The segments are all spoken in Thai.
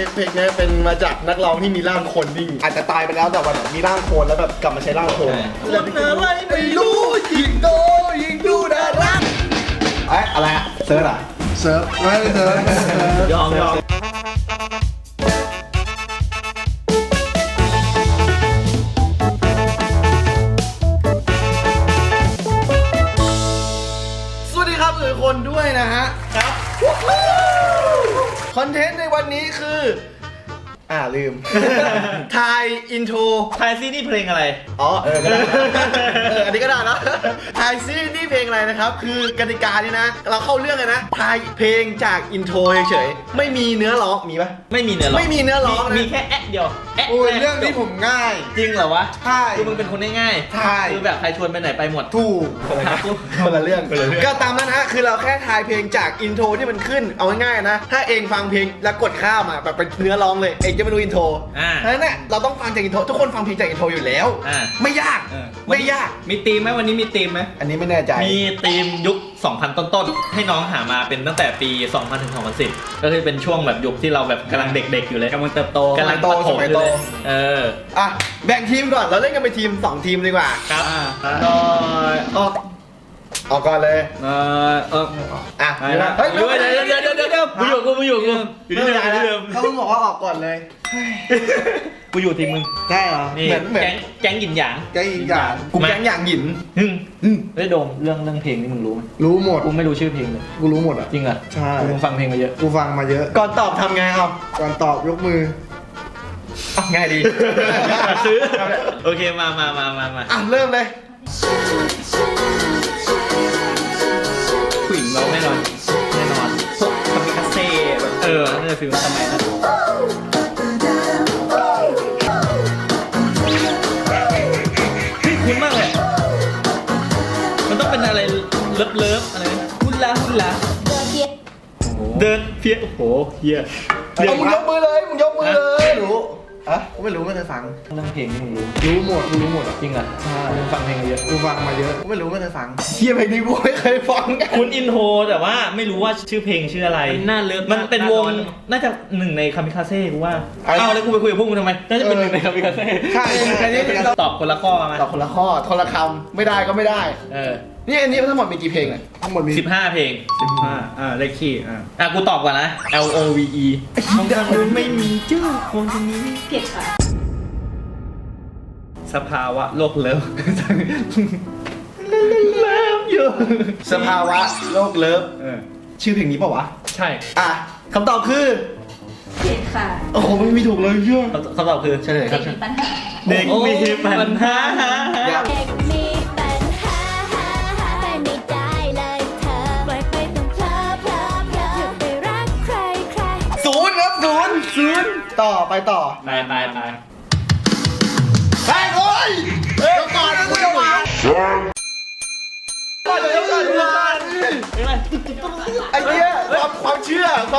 เพลงนี้เป็นมาจากนักร้องที่มีร่างคนนิ่งอาจจะตายไปแล้วแต่ว่ามีร่างโคลนแล้วแบบกลับมาใช้ร่างโคลนคนอะไรไม่รู้ยิงโตยิงดูน่ารักอะไรอะเซิร์ฟอะเซิร์ฟไม่เซิร์ฟยอมสวัสดีครับทุกคนด้วยนะฮะครับคอนเทนต์ในวันนี้คือลืมทายอินโทรทายซี่นี่เพลงอะไรอ๋อก็ได้อันนี้ก็ได้นะทายซีนี่เพลงอะไรนะครับคือกติกานี่นะเราเข้าเรื่องเลยนะทายเพลงจากอินโทรเฉยๆไม่มีเนื้อร้องมีปะไม่มีเนื้อร้องไม่มีเนื้อร้องนะมีแค่แอะเดียวแอะเรื่องนี้ผมง่ายจริงเหรอวะใช่คือมึงเป็นคนง่ายใช่คือแบบใครชวนไปไหนไปหมดถูกคนละเรื่องก็ตามนั้นฮะคือเราแค่ทายเพลงจากอินโทรที่มันขึ้นเอาง่ายๆนะถ้าเองฟังเพลงแล้วกดข้ามแบบเป็นเนื้อร้องเลยเองจะไม่รู้อินโทรเพราะฉะนั้นเนี่ยเราต้องฟังจากอินโทรทุกคนฟังเพลงจากอินโทรอยู่แล้วไม่ยากไม่ยากมีธีมไหมวันนี้มีธีมไหมอันนี้ไม่แน่ใจมีธีมยุค 2000 ต้นๆให้น้องหามาเป็นตั้งแต่ปี 2000 ถึง 2010 ก็คือเป็นช่วงแบบยุคที่เราแบบกำลังเด็กๆอยู่เลยกำลังเติบโตกำลังโตสมัยโตแบ่งทีมก่อนเราเล่นกันเป็นทีม2ทีมดีกว่าครับออกก่อนเลยเฮ้ยเดี๋ยวมึงอยู่กูอยู่ที่เดิมเขาบอกว่าออกก่อนเลยกูอยู่ทีมมึงได้เหรอเหมือนแก๊งหยินหยางกูแก๊งหยางหยินได้โดมเรื่องเพลงนี่มึงรู้ไหมรู้หมดกูไม่รู้ชื่อเพลงเลยกูรู้หมดอ่ะจริงอ่ะใช่กูฟังเพลงมาเยอะกูฟังมาเยอะก่อนตอบทำไงครับก่อนตอบยกมือง่ายดีซื้อโอเคมาเริ่มเลยผู้หญิงเราแน่นอนพวกคามิคาเซ่แบบน่าจะฟิลสมัยนั้นคุ้นมากเลยมันต้องเป็นอะไรเลิฟอะไรฮุลาเดินเพี้ยโอ้โหเฮียมึงยกมือเลยรู้กูไม่รู้ไม่เคยฟังเรื่องเพลงนี่รู้หมดกูรู้หมดจริงอ่ะใช่กูฟังเพลงมาเยอะกูฟังมาเยอะกูไม่รู้ไม่เคยฟังเฮียเพลงนี้กูไม่เคยฟังคุณอินโทรแต่ว่าไม่รู้ว่าชื่อเพลงชื่ออะไรน่าเลิฟมันเป็นวงน่าจะหนึ่งในคามิคาเซ่กูว่าแล้วกูไปคุยกับพวกมึงทำไมน่าจะเป็นหนึ่งในคามิคาเซ่ใช่อันนี้ตอบคนละข้อมาตอบคนละข้อคนละคำไม่ได้ก็ไม่ได้นี่อันนี้ทั้งหมดมีกี่เพลงอ่ะทั้งหมดมี 15เพลง15เลขคี่กูตอบก่อนนะ LOVE ของทางนู้นไม่มีชื่อของทางนี้ผิดค่ะสภาวะโลกเลิฟอยู่สภาวะโลกเลิฟชื่อเพลงนี้ป่าวะใช่คำตอบคือผิดค่ะโอ้โหไม่มีถูกเลยเชื่อคำตอบคือใช่เลยครับเด็กมีปัญหาต่อไปโอ้ยก่อนนะกูจะมาไอ้เหี้ยความเชื่อรู้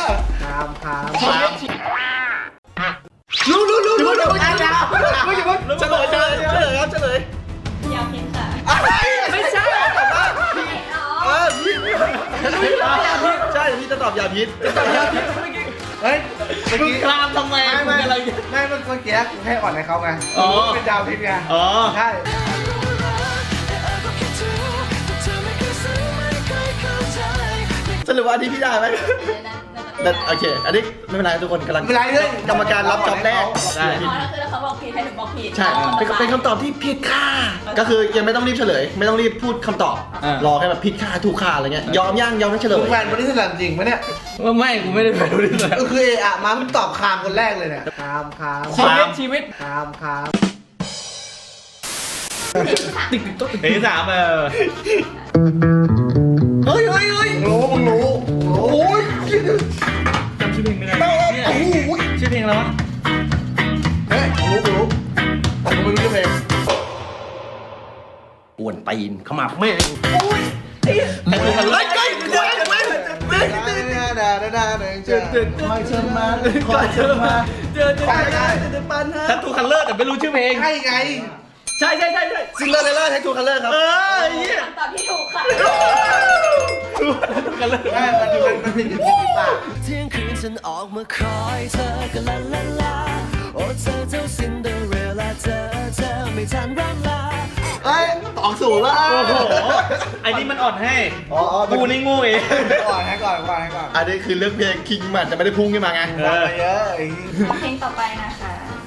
เฉลยยาวเพียงค่ะไม่ใช่ใช่พี่จะตอบยาพิษเฮ้ยมึงคลามทำไมไม่เมื่อกี้กูให้อ่อนให้เขาไงเป็นดาวพิษไงใช่สรุปว่าอันนี้พี่ได้ไหมโอเคอันนี้ไม่เป็นไรทุกคนกำลังไม่เป็นไรเลยกรรมการรับจ็อบแรกใช่คือเขาบอกผิดให้หนูบอกผิดใช่เป็นคำตอบที่ผิดค่ะก็คือยังไม่ต้องรีบเฉลยไม่ต้องรีบพูดคำตอบรอแค่แบบผิดค่ะถูกค่ะอะไรเงี้ยยอมไม่เฉลยแฟนบริษัทจริงไหมเนี่ยไม่กูไม่ได้แฟนบริษัทก็คือมามึงตอบคามคนแรกเลยเนี่ยคามชีวิตคามติ๊กต๊อกเพลงที่ 3 เฮ้ยมึงรู้โอ้ยจำชื่อเพลงไม่ได้ชื่อเพลงอะไรวะรู้ผมไม่รู้ชื่อเพลงอ้วนตีนเขามาแม่โอ้ยไอ้ทัตทูคัลเลอร์แต่ไม่รู้ชื่อเพลงใช่ไงใช่ซิงเกิลเลอร์แท็กทูคัลเลอร์ครับคำตอบที่ถูกค่ะคัลเลอร์มันผิดปากฉันออกมาคอยเธอก็ลาลาลาโอ้เธอเจ้าซินเดอเรลล่าเธอไม่ทันร่ำลาเอ้ยออกสูงแล้วโอ้โหไอ้นี่มันอ่อนให้อ๋อกูนี่โง่เองก่อนให้ก่อนอันนี้คือเรื่องเพลงคิงมันจะไม่ได้พุ่งขึ้นมาไงฟังมาเยอะเพลงต่อไปนะคะ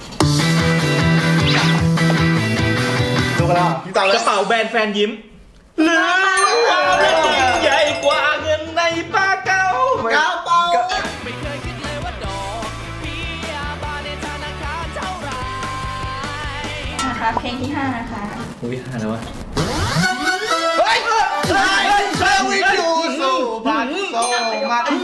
ดูกันแล้วพี่ตามแล้กวระเป๋าแบรนด์แฟนยิ้มหรือความรักยิ่งใหญ่กว่าเงินในปากเก่าก้าวเป้าไม่เคยคิดเลยว่าดอกเบี้ยบานในธนาคารเท่าไหรนะคะเพลงที่ 5 นะคะอุ้ยหาแล้ววะเฮ้ยเฮ้ยวิ่งอยู่สู่พันโซมาเฮ้ย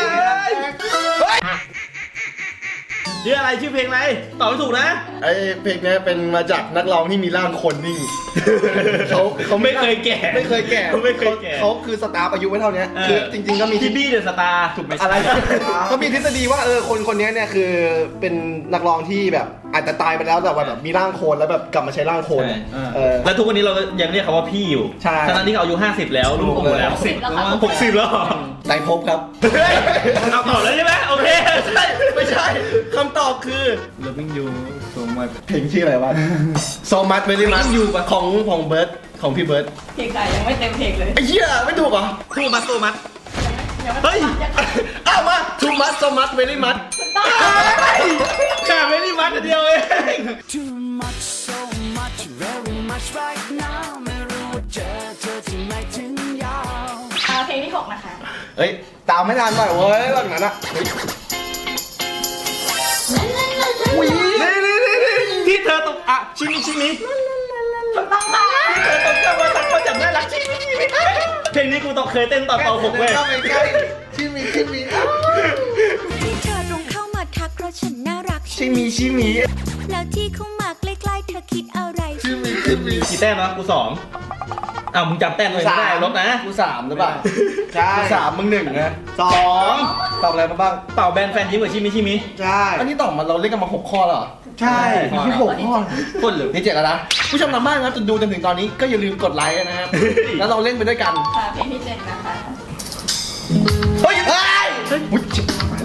ชื่ออะไรชื่อเพลงอะไรตอบไม่ถูกนะไอเพลงนี้เป็นมาจากนักร้องที่มีร่างคนนี่เขาไม่เคยแก่ไม่เคยแก่ไม่เคยแก่เขาคือสตาร์อายุไม่เท่านี้คือจริงๆก็มีที่บี้เดอะสตาร์ถูกไหมอะไรเขามีทฤษฎีว่าคนนี้เนี่ยคือเป็นนักร้องที่แบบอาจจะตายไปแล้วแต่ว่าแบบมีร่างโคลนแล้วแบบกลับมาใช้ร่างโคลนแล้วทุกวันนี้เรายังเรียกเขาว่าพี่อยู่ใช่ทั้งที่เขาอายุ50แล้วลูกโตแล้ว 60แล้วค่ะ 60แล้วไตรภพครับเอาตอบแล้วใช่ไหมโอเคไม่ใช่คำตอบคือ Loving You so much เพลงชื่ออะไรวะ So Much Very Much ของเบิร์ดของพี่เบิร์ดเพลงไหนยังไม่เต็มเพลงเลยไอ้เหี้ยไม่ถูกเหรอคู่มัดตัวมัดยังไม่เฮ้ยยังไม่อ้าวมา Too Much So Much Very Much ขาไม่ได้มัดเดียวเอง Too much so much very much right now ไม่รู้ว่าเจอเธอที่ไหนถึงยาวเพลงที่ 6 นะคะเฮ้ยตามไม่ทันหน่อยเว้ยหลังนั้นอะอุ้ยนี่ที่เธอตกอ่ะชิมิถูกต้องค่ะเธอตกกลับมาตักมาจับน่ารักชิมิเพลงนี้กูต้องเคยเต้นตอนป .6 เว้ยเข้าไปใกล้ชิมีที่เธอตรงเข้ามาทักเพราะฉันน่ารักชิมีแล้วที่เข้ามาใกล้ๆเธอคิดอะไรกี่แต้มวะกู2อ้าวมึงจำแต้มเลยไม่ได้ลบนะกู3หรือเปล่าใช่กู3มึง1นะ2ตอบอะไรมาบ้างเป่าแบนแฟนยิ้มกับชิมิใช่อันนี้ตอบมาเราเล่นกันมา6ข้อแล้วเหรอใช่ที่6ข้อคนหรือนี่7แล้วนะผู้ชมทางบ้านครับจนดูจนถึงตอนนี้ก็อย่าลืมกดไลค์นะครับแล้วเราเล่นไปด้วยกันค่ะเพลงที่ 7 นะคะเฮ้ยอุ๊ยชิบหาย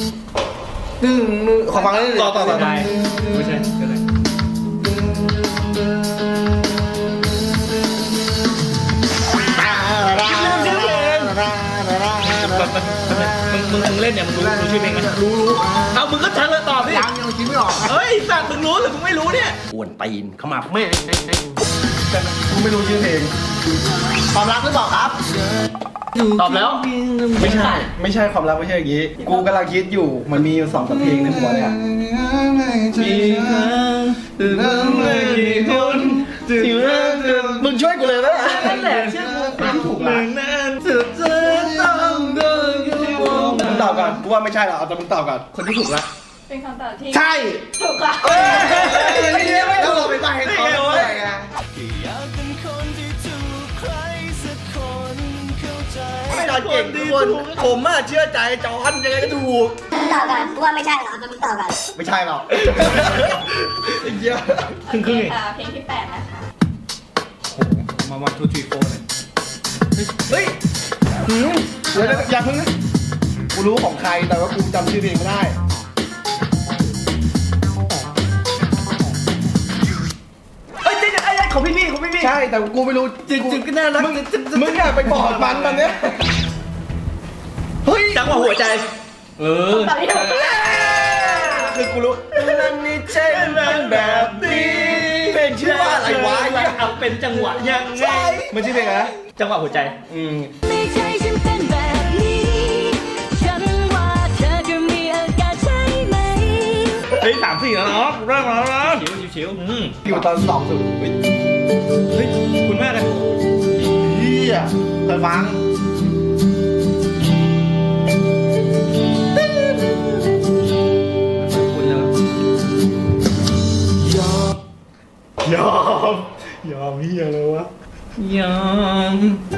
ขอฟังได้เลยต่อไปไม่ใช่ก็เลยมึงเล่นเนี่ยมึงรู้ชื่อเพลงไหมรู้เอามึงก็ชัดเลยตอบดิยังคิดไม่ออกเฮ้ยสัตว์มึงรู้หรือมึงไม่รู้เนี่ยอ้วนตีนเข้ามาแม่กูไม่รู้ชื่อเพลงความรักหรือเปล่าครับตอบแล้วไม่ใช่ความรักไม่ใช่อย่างนี้ กูกำลังคิดอยู่มันมีอยู่2 เพลงในหัวเนี่ย มึงช่วยกูเลยนะนั่นแหละเชื่อกูถูกหลังนั้นสุดจะต้องโดนกูมองมึงตอบก่อนกูว่าไม่ใช่หรอกเอาแต่มึงตอบก่อนคนที่ถูกละเป็นคำตอบที่ใช่ถูกค่ะแล้วเราไปใบ้ให้เขาได้ไงอยากเป็นคนที่ถูกใครสักคนเข้าใจไม่ได้เก่งทุกคนผมอะเชื่อใจจอนยังไงก็ถูกตอบก่อนกูว่าไม่ใช่หรอกมึงตอบก่อนไม่ใช่หรอกไอ้เหี้ยครึ่งค่ะเพลงที่ 8 นะคะมาวันทูทีโฟเลยเฮ้ยเดี๋ยวอย่าเพิ่งนะกูรู้ของใครแต่ว่ากูจำชื่อเพลงไม่ได้ของพี่ใช่แต่กูไม่รู้จริงๆก็น่ารักมึงอยากไปบอกมันตอนเนี้ยเฮ้ยจังหวะหัวใจคำตอบที่ถูกคือกูรู้นั่นนี่ใช่แบบนี้เพลงชื่อว่าอะไรวะเอาเป็นจังหวะยังไงมันชื่อเพลงอะไรนะจังหวะหัวใจไม่ใช่ฉันเป็นแบบนี้ ฉันว่าเธอจะมีอาการใช่ไหมเฮ้ย3-4แล้วเนาะเริ่มแล้วนะชิวอยู่ตอน2สุดเฮ้ยคุณมากเลยเฮียเคยฟังคุณแล้วยอมเฮียเลยวะยอม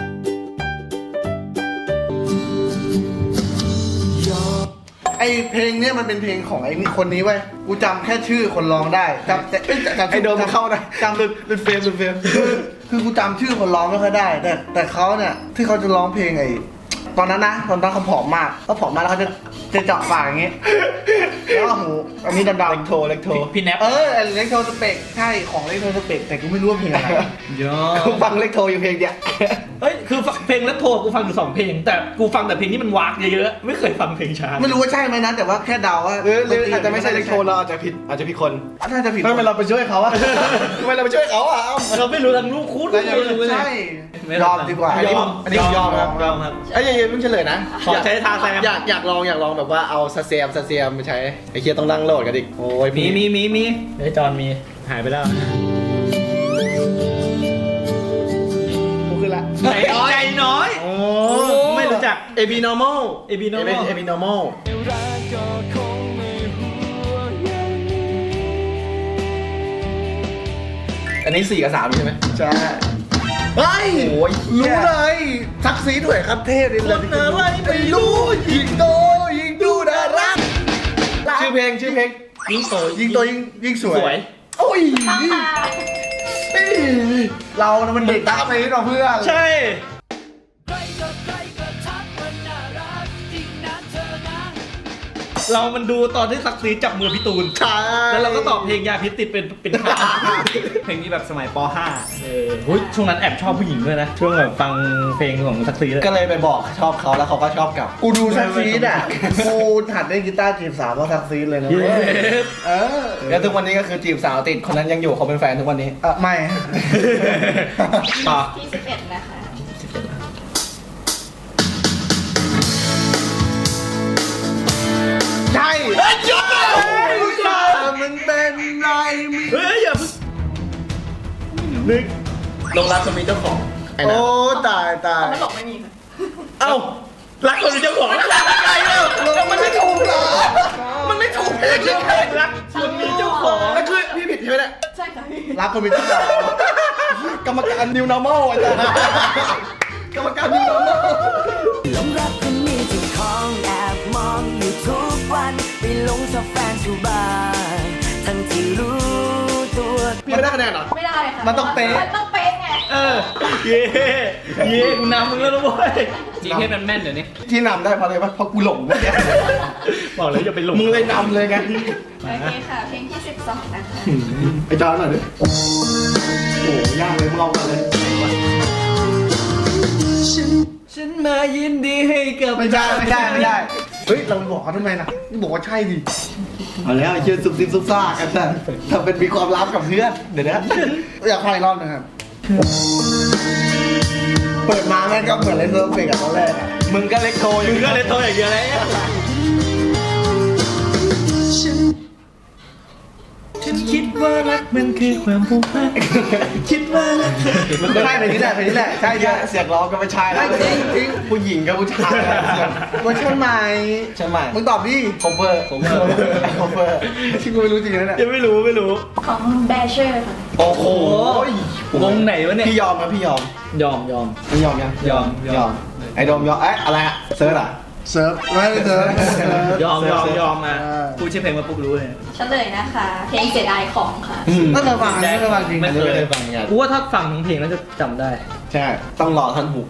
ไอเพลงเนี้ยมันเป็นเพลงของไอ้นี่คนนี้เว้ยกูจำแค่ชื่อคนร้องได้จำไอโดมเข้าได้จำเป็นเฟรมคือกูจำชื่อคนร้องไม่ค่อยได้แต่เขาเนี่ยที่เขาจะร้องเพลงไอ้ตอนนั้นนะตอนนั้นเขาผอมมากเขาผอมมากแล้วเขาจะเจาะปากอย่างงี้แล้วก็หูอันนี้ดำเล็กโทรเล็กโทรพี่แนปเล็กโทสเปกใช่ของเล็กโทสเปกแต่กูไม่รู้ว่าเพลงอะไรยอกูฟังเล็กโทรอยู่เพลงเดียวเฮ้ยคือเพลงแล้วโทรกูฟังอยู่2 เพลง แต่กูฟังแต่เพลงที่มันวากเยอะๆไม่เคยฟังเพลงช้าไม่รู้ว่าใช่ไหมนะแต่ว่าแค่เดาว่าหรืออาจจะไม่ใช่เล็กโทรเราอาจจะผิดคนน่าจะผิดทำไมเราไปช่วยเขาอะทำไมเราไปช่วยเขาอะเอ้าเราไม่รู้ทั้งลูกคู่น่าจะไม่ใช่ยอมดีกว่าอันนี้ผมยอมครับยอมครับไอ้ยังเพิ่งเฉลยนะขอใช้ทาแซมอยากลองแบบว่าเอาซาเซียมไปใช้ไอ้เคียต้องนั่งโหลดกันอีกโอ้ยมีเฮ้ยจอนมีหายไปแล้วกูขึ้นละใจน้อยโอ้ไม่รู้จัก AB normal AB normal AB normal อันนี้4 กับ 3ใช่ไหมใช่เฮ้ยโอ้ยรู้เลยซักซีด้วยครับเทพเลยคนอะไรไม่รู้ยิงโตยิงดูน่ารักชื่อเพลงยิ่งโตยิงตัวยิ่งสวยสวยโอ้ยค่ะเรานะมันเด็กซักซีเราเพื่อนใช่ เรามันดูตอนที่ซักซีจับมือพี่ตูนใช่แล้วเราก็ตอบเพลงยาพิษติดเป็นข้าวเพลงนี้แบบสมัยป .5 ช่วงนั้นแอบชอบผู้หญิงด้วยนะ ช่วงแบบฟังเพลงของซักซีเลยก็เลยไปบอกชอบเขาแล้วเขาก็ชอบกลับกูดูซักซีดอ่ะกูหัดเล่นกีตาร์จีบสาวเพราะซักซีดเลยนะเย้เออแล้วทุกวันนี้ก็คือจีบสาวติดคนนั้นยังอยู่เขาเป็นแฟนทุกวันนี้ไม่ต่อที่11นะคะใช่เฮ้ยหยุดเลยมันเป็นไรมีเฮ้ยอย่าเพิ่งลงรักคนมีเจ้าของไอ้โอ้นะตายตายไม่บอกไม่มีค่ะเอ้ารักคนเป็นเจ้าของรักใครเอ้าแล้วมันไม่ถูกเหรอ มันไม่ถูกเพลงใช่ไหมรักคนมีเจ้าของแล้วคือพี่ผิดใช่ไหมเนี่ยใช่ค่ะพี่รักคนเป็นเจ้าของกรรมการ New Normal อาจารย์กรรมการ New Normal หลงรักคนมีเจ้าของแอบมองอยู่ทุกวันไปหลงชอบแฟนทุกบ้านทั้งที่รู้ตัวพี่ไม่ได้คะแนนเหรอไม่ได้ค่ะมันต้องเป๊ะมันต้องเป๊ะไงเย่กูนำมึงแล้วนะเว้ยจริงให้มันแม่นเดี๋ยวนี้ที่นำได้เพราะอะไรวะเพราะกูหลงเมื่อกี้บอกเลยอย่าไปหลงมึงเลยนำเลยไงโอเคค่ะ เพลงที่12นะคะไอ้จอนหน่อยดิโอ้โหยากเลยมึงลองกันเลยฉันมายินดีให้กับไม่ได้เฮ้ยเราบอกเขาทำไมล่ะนี่บอกว่าใช่ดิเอาแล้วไอ้เชื่อซุบซิบซุบซ่ากันแต่ทำเป็นมีความลับกับเพื่อนเดี๋ยวนะอยากฟังอีกรอบหนึงครับ เปิดมาแม่งก็เหมือนเล่นเซิร์ฟเฟกกับตอนแรกอะมึงก็เล็กโทรอยู่มึงก็เลยโตอย่างเดียวเลย ฉันคิดว่ารักมันคือความผูกพันคิดว่ารักใช่เพลงนี้แหละใช่ใช่เสียงร้องก็ไม่ใช่แล้วผู้หญิงกับผู้ชายเสียงเวอร์ชันใหม่ใช่ไหมมึงตอบดิโคเวอร์ที่กูไม่รู้จริงนะเนี่ยยังไม่รู้ของแบเชอร์ค่ะโอ้โหวงไหนวะเนี่ยพี่ยอมครับพี่ยอมยอมพี่ยอมยังยอมไอ้โดมยอมเอ๊ะอะไรอะเซิร์ชอะเซิร์ฟไม่ได้เซิร์ฟยอมมาพูดชื่อเพลงมาปุ๊บรู้เลยเฉลยนะคะ เพลงเสียดายของค่ะไม่เคยฟังไม่เคยฟังจริงไม่อันนี้ไม่ได้ฟังกันกูว่าถ้าฟังทั้งเพลงแล้วจะจำได้ใช่ต้องรอท่านหุก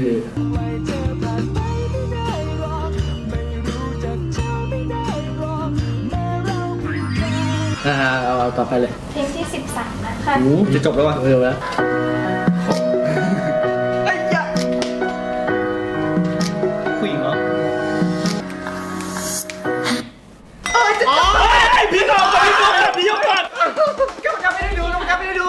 เอาต่อไปเลยเพลงที่13นะคะจะจบแล้ววะเร็วแล้วผู้หญิงเหรอพี่น้องก่อนพี่ยกก่อนกรรมการไม่ได้ดูไอ้นี่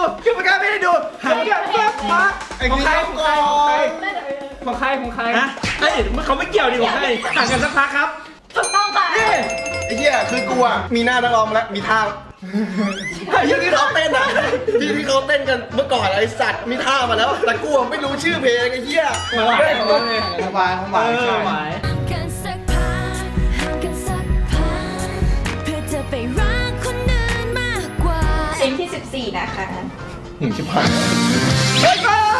ก่อนของใครนะเอ้ยเขาไม่เกี่ยวดิของใครห่างกันสักพักครับถูกต้องค่ะไอ้เหี้ยคือกูอะมีหน้านักร้องมาแล้วมีท่าไอ้เหี้ยที่เขาเต้นอะที่เขาเต้นกันเมื่อก่อนไอ้สัตว์มีท่ามาแล้ว แต่กูอะไม่รู้ชื่อเพลงไอ้เหี้ยของบายใช่กันสักพักห่างกันสักพักเพื่อจะไปรักคนอื่นมากกว่าเพลงที่14นะคะชิบหายเฮ้ย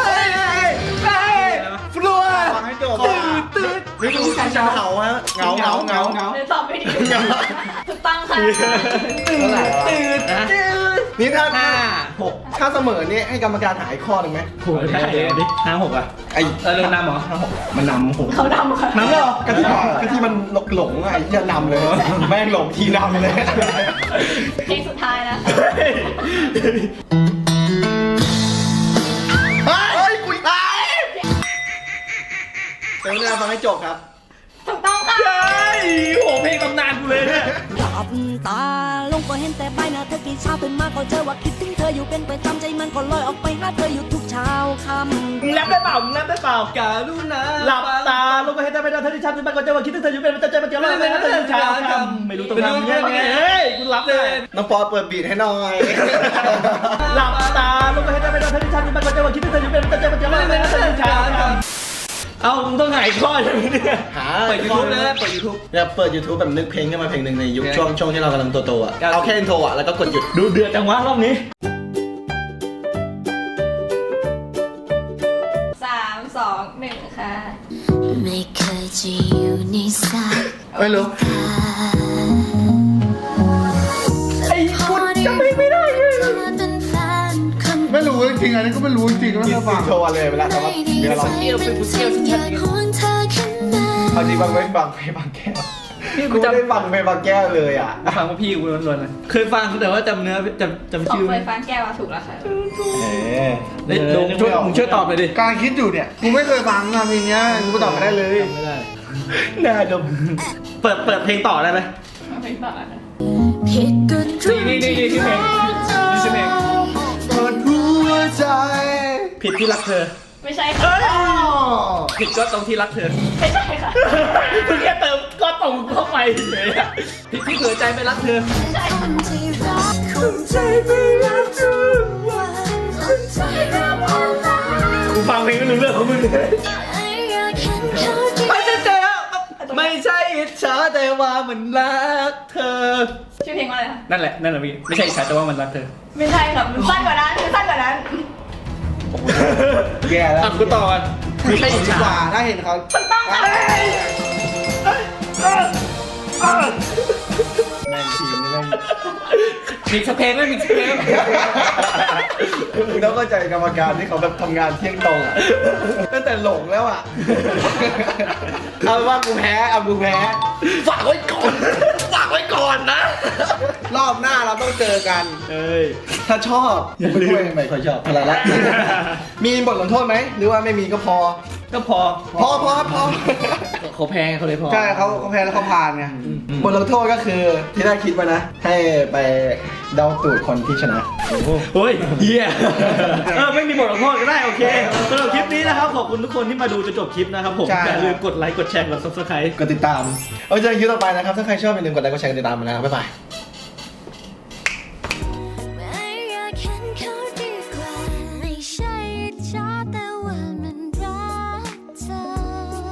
ฟลัวฟังให้จบตื่นไม่รู้ใครจะเหงาฮะเหงาเดี๋ยวตอบไม่ดีถูกต้องค่ะเท่าไหร่วะนี่ถ้าถ้าเสมอนี่ให้กรรมการหาอีกข้อหนึ่งไหมโหได้ดิ5-6อ่ะไอ้เรื่องนำเหรอมันนำผมเขาดำค่ะนำเลยเหรอก็ที่มันหลงไอ้จะนำเลย แม่งหลงทีนำเลยเพลงสุดท้ายนะคะเฮ้ยกุยตายเดี๋ยวเนี่ยฟังให้จบครับถูกต้องค่ะเฮ้ยโหเพลงตำนานกูเลยเนี่ยหลับตาลงก็เห็นแต่ใบหน้าเธอกี่เช้าตื่นมาก็เจอว่าคิดถึงเธออยู่เป็นประจำใจมันก็ลอยออกไปหาเธออยู่ทุกเช้าค่ำมึงแรปได้เปล่ามึงแรปได้เปล่าการุณาหลับตาลงไปให้ได้ไม่ได้เธอที่ชัดมันก็จะว่าคิดถึงเธออยู่เป็นประจำใจมันจะลอยไปนะเธออยู่เช้าค่ำไม่รู้ต้องทำยังไงเฮ้ยกูรับเลยน้องปอเปิดบีทให้หน่อยหลับตาลงไปให้ได้ไม่ได้เธอที่ชัดมันก็จะว่าคิดถึงเธออยู่เป็นประจำใจมันจะลอยไปนะเธออยู่เช้าค่ำเอามึงต้องหายข้อใช่ไหมเนี่ยหาเปิด YouTube นะเปิด YouTube อยากเปิด YouTube แบบนึกเพลงขึ้นมาเพลงหนึ่งในยุคช่วงที่เรากำลังโตๆอ่ะ เอาแค่อินโทรอ่ะแล้วก็กดหยุดดูเดือดจังวะรอบนี้ 3 2 1 ค่ะไม่เคยจะอยู่ในสายไม่รู้ตาไอ้คุณจำไม่ได้เลยเป็นแฟนคนไม่รู้จริงๆอันนี้ก็ไม่รู้จริงๆไม่อิเคยฟังนโทรเลยเวลาเขาเดี๋ยวเรา เอาจริงบางเว้นบางเพลงบางแก้วกูไม่ได้ฟังเพลงบางแก้วเลยอ่ะฟังว่าพี่กูล้วนๆนะเคยฟังแต่ว่าจำเนื้อจำของชื่อเฟไม่ยฟ้าแก้วถูกแล้วค่ะเฮ้ยลงช่วยมึงช่วยตอบเลยดิการคิดอยู่เนี่ยกูไม่เคยฟังนะเพลงเนี้ยกูตอบไม่ได้เลยไม่ได้น่าดมเปิดเพลงต่อได้ไหมเพลงต่อนะคะผิดกันนี่ชื่อเพลงนี่ชื่อเพลงเปิดหัวใจผิดที่รักเธอไม่ใช่ค่ะผิดก็ตรงที่รักเธอไม่ใช่ค่ะมึงแค่เติมก็ตรงเข้าไปเฉยอะผิดที่เผื่อใจไม่รักเธอไม่ใช่คนที่รักคนใจไม่รักทุกวันคนใจรักอะไรกูฟังเพลงไม่รู้เรื่องของมึงเลยอยากเห็นเขาที่ไม่ใช่เจ๊ไม่ใช่อิจฉาแต่ว่ามันรักเธอชื่อเพลงว่าอะไรคะนั่นแหละพี่ไม่ใช่อิจฉาแต่ว่ามันรักเธอไม่ใช่ค่ะมันสั้นกว่านั้นมันสั้นกว่านั้นแย่แล้วอ่ะกูต่อกันไม่ใช่อิจดีฉากว่าถ้าเห็นเขาแม่งทีมนี่แม่งมีสักเพลงไหมมีสักเพลงมึงต้องเข้าใจกรรมการที่เขาแบบทำงานเที่ยงตรงอ่ะตั้งแต่หลงแล้วอ่ะเอาเป็นว่ากูแพ้เอากูแพ้ฝากไว้ก่อนฝากไว้ก่อนนะรอบหน้าเราต้องเจอกันเอ้ยถ้าชอบอย่าลืมไม่ค่อยชอบอะไรละมีบทลงโทษไหมหรือว่าไม่มีก็พอก็พอพอเขาแพงเขาเลยพอใช่เขาแพ้แล้วเขาผ่านไงบทลงโทษก็คือที่ได้คิดไว้นะ ให้ไปเดาตูดคนที่ชนะเฮ้ยเฮียไม่มีบทลงโทษก็ได้โอเคสำหรับคลิปนี้นะครับขอบคุณทุกคนที่มาดูจนจบคลิปนะครับผมอย่าลืมกดไลค์กดแชร์กด subscribe กดติดตามเอาเจอกันคลิปต่อไปนะครับถ้าใครชอบอย่าลืมกดไลค์กดแชร์กดติดตามมานะครับบ๊ายบาย